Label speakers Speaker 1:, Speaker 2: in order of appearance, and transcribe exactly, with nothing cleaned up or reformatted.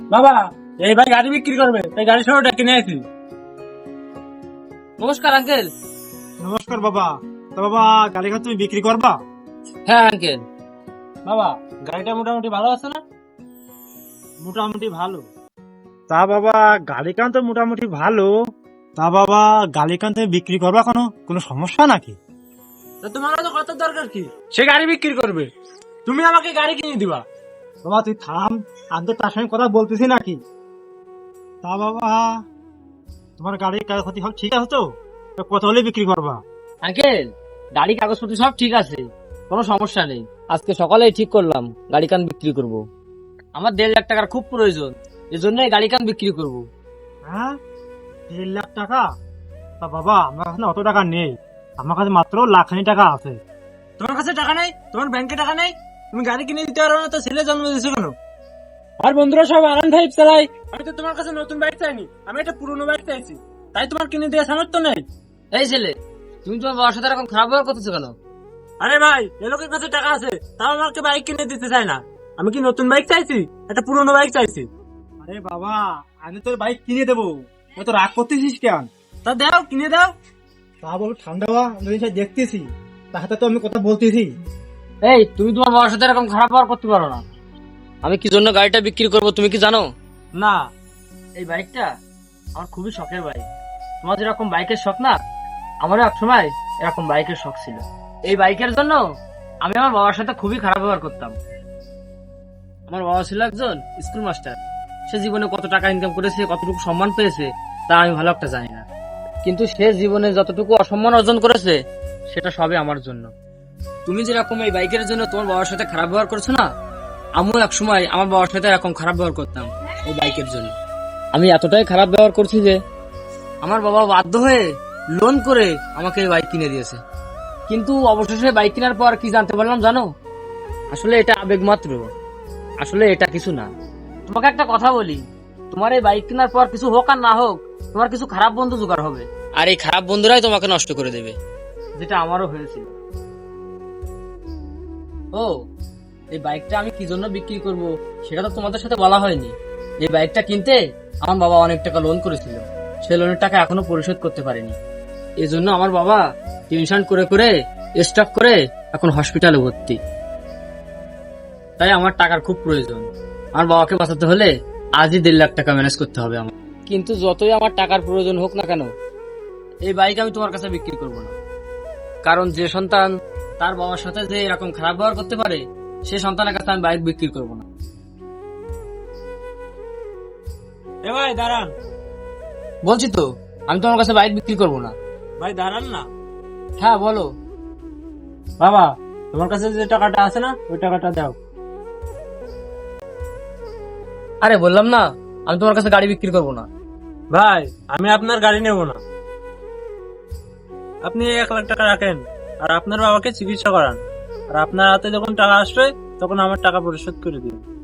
Speaker 1: বাবা, এই ভাই গাড়ি বিক্রি করবে, এই গাড়ি সহ ডেকে নিয়ে আসি।
Speaker 2: নমস্কার আঙ্কেল।
Speaker 3: নমস্কার বাবা। তো বাবা, গাড়ি তুমি বিক্রি করবা?
Speaker 2: হ্যাঁ আঙ্কেল।
Speaker 1: বাবা, গাড়িটা মোটামুটি ভালো আছে না?
Speaker 3: মোটামুটি ভালো। তা বাবা, গাড়ি কান তো মোটামুটি ভালো। তা বাবা, গাড়ি কান তুমি বিক্রি করবা, কোনো কোনো সমস্যা নাকি?
Speaker 1: তা তোমার তো কত দরকার কি? সে গাড়ি বিক্রি করবে, তুমি আমাকে গাড়ি কিনে দিবা।
Speaker 3: বাবা তুই থাম, আমি তো তার সঙ্গে কথা বলতেছি নাকি। তা বাবা, তোমার গাড়ির কাগজপাতি সব ঠিক আছে তো? তো কত হলে বিক্রি করবা?
Speaker 2: আঙ্কেল, গাড়ি কাগজপত্র সব ঠিক আছে, কোনো সমস্যা নেই। আজকে সকালেই ঠিক করলাম গাড়ি কান বিক্রি করব। আমার দেড় লাখ টাকার খুব প্রয়োজন, এই জন্যই গাড়ি কান বিক্রি করব।
Speaker 3: হ্যাঁ, দেড় লাখ টাকা? তা বাবা, আমার কাছে না অত টাকা নেই, আমার কাছে মাত্র লাখানি টাকা আছে।
Speaker 1: তোমার কাছে টাকা নেই? তোমার ব্যাংকে টাকা নেই? তুমি গাড়ি কিনে দিতে পারো না তো ছেলে জন্ম দিয়েছো কেন? আর বন্ধুরা সব আরাম ফাইভ চালাই, আমি তো তোমার কাছে নতুন বাইক চাইনি, আমি একটা পুরনো বাইক চাইছি, তাই তোমার কিনে দেওয়া সামর্থ্য নেই।
Speaker 2: এই ছেলে, তুমি তোমার বাবার সাথে এরকম খারাপ ব্যবহার করতেছো কেন?
Speaker 1: আরে ভাই, এ লোকের কাছে টাকা আছে, তাও আমাকে বাইক কিনে দিতে চায় না। আমি কি নতুন বাইক চাইছি? একটা পুরনো বাইক চাইছি।
Speaker 3: আরে বাবা, আমি তোর বাইক কিনে দেবো, তো রাগ করতেছিস কেন?
Speaker 1: তা দাও, কিনে দাও।
Speaker 3: তা বলো ঠান্ডা বা জিনিসটা দেখতেছি, তাহাতে তো আমি কথা বলতেছি।
Speaker 2: এই, তুমি তোমার বাবার সাথে এরকম খারাপ ব্যবহার করতে পারো না। আমি কি জন্য গাড়িটা বিক্রি করব তুমি কি জানো?
Speaker 1: না।
Speaker 2: এই বাইকটা আমার খুবই শখের বাইক। তোমার যেরকম বাইকের শখ না, আমারও এক সময় এরকম বাইকের শখ ছিল। এই বাইকের জন্য আমি আমার বাবার সাথে খুবই খারাপ ব্যবহার করতাম। আমার বাবা ছিল একজন স্কুল মাস্টার। সে জীবনে কত টাকা ইনকাম করেছে, কতটুকু সম্মান পেয়েছে, তা আমি ভালো একটা জানি না। কিন্তু সে জীবনে যতটুকু অসম্মান অর্জন করেছে, সেটা সবই আমার জন্য। তুমি যেরকম এই বাইকের জন্য তোমার বাবার সাথে খারাপ ব্যবহার করছো না, আমিও এক সময় আমার বাবার সাথে এরকম খারাপ ব্যবহার করতাম এই বাইকের জন্য। আমি এতটাই খারাপ ব্যবহার করছি যে আমার বাবা বাধ্য হয়ে লোন করে আমাকে এই বাইক কিনে দিয়েছে। কিন্তু অবশেষে বাইক কেনার পর কি জানতে পারলাম জানো? আসলে এটা আবেগ মাত্র, আসলে এটা কিছু না। তোমাকে একটা কথা বলি, তোমার এই বাইক কেনার পর কিছু হোক আর না হোক, তোমার কিছু খারাপ বন্ধু জোগাড় হবে, আর এই খারাপ বন্ধুরাই তোমাকে নষ্ট করে দেবে, যেটা আমারও হয়েছিল। ও, এই বাইকটা আমি কি জন্য বিক্রি করব সেটা তো তোমাদের সাথে বলা হয়নি। এই বাইকটা কিনতে আমার বাবা অনেক টাকা লোন করেছিল, সেই লোনের টাকা এখনো পরিশোধ করতে পারেনি। এই জন্য আমার বাবা টেনশন করে করে স্টক করে এখন হসপিটালে ভর্তি। তাই আমার টাকার খুব প্রয়োজন। আমার বাবাকে বাঁচাতে হলে আজই দেড় লাখ টাকা ম্যানেজ করতে হবে আমার। কিন্তু যতই আমার টাকার প্রয়োজন হোক না কেন, এই বাইক আমি তোমার কাছে বিক্রি করব না। কারণ যে সন্তান তার বাবার সাথে যে এরকম খারাপ ব্যবহার করতে পারে, সে সন্তানের কাছে আমি বাইক বিক্রি করব না।
Speaker 1: এ ভাই দাঁড়ান।
Speaker 2: বলছি তো, আমি তোমার কাছে বাইক বিক্রি করব না।
Speaker 1: ভাই দাঁড়ান না।
Speaker 2: হ্যাঁ বলো।
Speaker 1: বাবা, তোমার কাছে যে টাকাটা আছে না, ওই টাকাটা দাও।
Speaker 2: আরে বললাম না, আমি তোমার কাছে গাড়ি বিক্রি করব না।
Speaker 1: ভাই, আমি আপনার গাড়ি নেব না। আপনি এক লাখ টাকা রাখেন আর আপনার বাবাকে চিকিৎসা করান, আর আপনার হাতে যখন টাকা আসবে তখন আমার টাকা পরিশোধ করে দিন।